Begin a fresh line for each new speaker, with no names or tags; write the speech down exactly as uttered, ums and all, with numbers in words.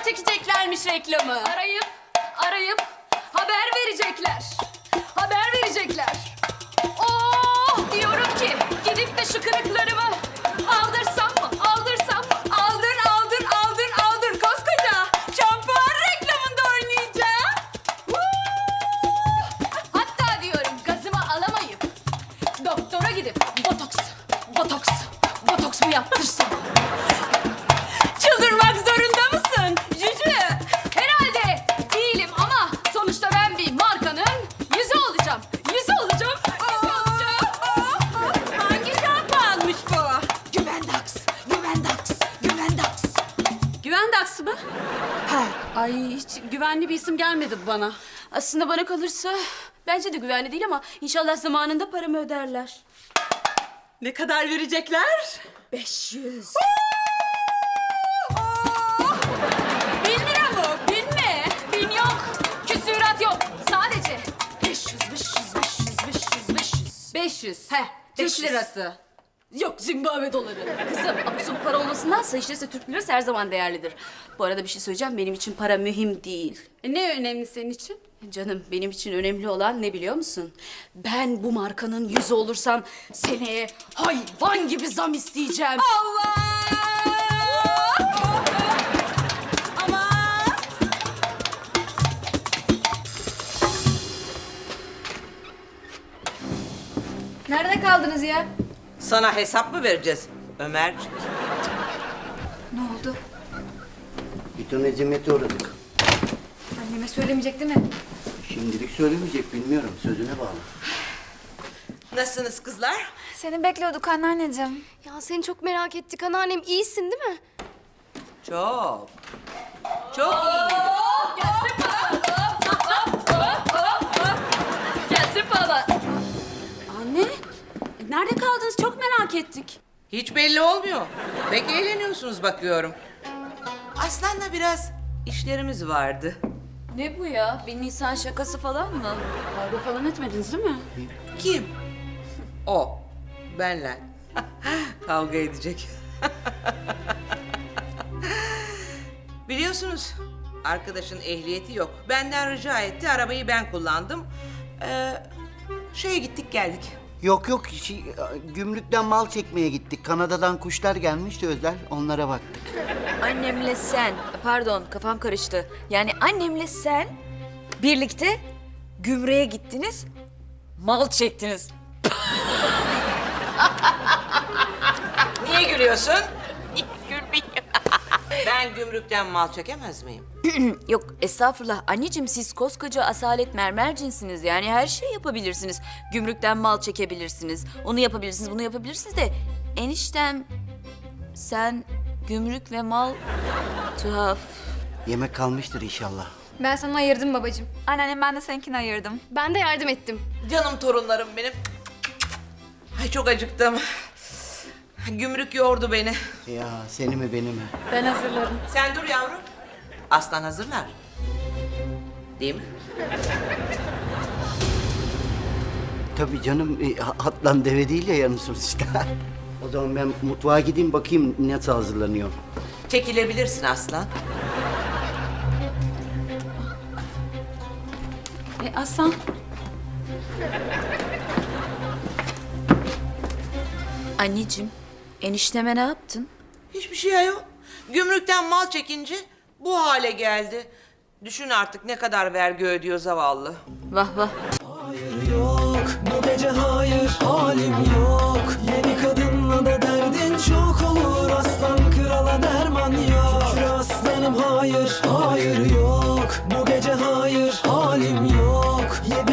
zaman çekeceklermiş reklamı?
Arayıp, arayıp haber verecekler. Haber verecekler. Oh diyorum ki gidip de şu kırıklarımı aldırsam mı? Aldırsam mı? Aldır, aldır, aldır, aldır. Koskoca şampuan reklamında oynayacağım. Woo! Hatta diyorum gazımı alamayıp doktora gidip botoks, botoks, botoks mu yaptırsam? Çıldırmak zorunda mısın Cücü? Herhalde değilim ama sonuçta ben bir markanın yüzü olacağım. Yüzü olacağım. Yüzü olacağım.
Hangi şampuanmış bu?
Güvendax, Güvendax, Güvendax.
Güvendax mı? He. Ay hiç güvenli bir isim gelmedi bana.
Aslında bana kalırsa bence de güvenli değil ama inşallah zamanında paramı öderler.
Ne kadar verecekler?
Beş yüz. Bin lira mı? Bin mi? Bin yok. Küsürat yok. Sadece beş yüz, beş yüz, beş yüz, beş yüz, beş yüz.
beş yüz.
He,
Türk
beş yüz.
lirası.
Yok, Zimbabwe doları. Kızım, absürt para olmasındansa işte Türk lirası her zaman değerlidir. Bu arada bir şey söyleyeceğim, benim için para mühim değil.
E, ne önemli senin için?
Canım, benim için önemli olan ne biliyor musun? Ben bu markanın yüzü olursam seneye hayvan gibi zam isteyeceğim.
Allah! Ama
Nerede kaldınız ya?
Sana hesap mı vereceğiz Ömer?
Ne oldu?
Bir ton eziyete uğradık.
Anneme söylemeyecek değil mi?
Şimdilik söylemeyecek, bilmiyorum. Sözüne bağlı.
Nasılsınız kızlar?
Seni bekliyorduk anneanneciğim.
Ya seni çok merak ettik anneannem. İyisin değil mi?
Çok. Çok iyi.
Gelsin falan. Anne, e, nerede kaldınız? Çok merak ettik.
Hiç belli olmuyor. Pek eğleniyorsunuz bakıyorum. Aslan'la biraz işlerimiz vardı.
Ne bu ya? Bir Nisan şakası falan mı? Kavga falan etmediniz değil mi?
Kim? O. Benle. Kavga edecek. Biliyorsunuz arkadaşın ehliyeti yok. Benden rica etti. Arabayı ben kullandım. Ee, şeye gittik geldik.
Yok yok, şey, gümrükten mal çekmeye gittik. Kanada'dan kuşlar gelmişti özel, onlara baktık.
Annemle sen, pardon kafam karıştı. Yani annemle sen birlikte gümrüğe gittiniz, mal çektiniz.
Niye gülüyorsun? Ben gümrükten mal çekemez miyim?
Yok estağfurullah anneciğim siz koskoca asalet mermer cinsiniz. Yani her şeyi yapabilirsiniz. Gümrükten mal çekebilirsiniz. Onu yapabilirsiniz, bunu yapabilirsiniz de eniştem sen gümrük ve mal tuhaf.
Yemek kalmıştır inşallah.
Ben sana ayırdım babacığım. Anneannem ben de seninkini ayırdım.
Ben de yardım ettim.
Canım torunlarım benim. Ay çok acıktım. Gümrük yordu beni.
Ya seni mi beni mi?
Ben hazırlarım.
Sen dur yavrum. Aslan hazırlar. Değil mi?
Tabii canım, e, atlan deve değil ya yanı işte. O zaman ben mutfağa gideyim bakayım nasıl hazırlanıyor.
Çekilebilirsin aslan.
E, Aslan,
Anneciğim enişteme ne yaptın?
Hiçbir şey ayol. Gümrükten mal çekince bu hale geldi. Düşün artık ne kadar vergi ödüyor zavallı.
Vah vah.
Hayır yok, bu gece hayır, halim yok. Yeni kadınla da derdin çok olur. Aslan krala derman yok. Şükür aslanım hayır, hayır yok. Bu gece hayır, halim yok. Yedi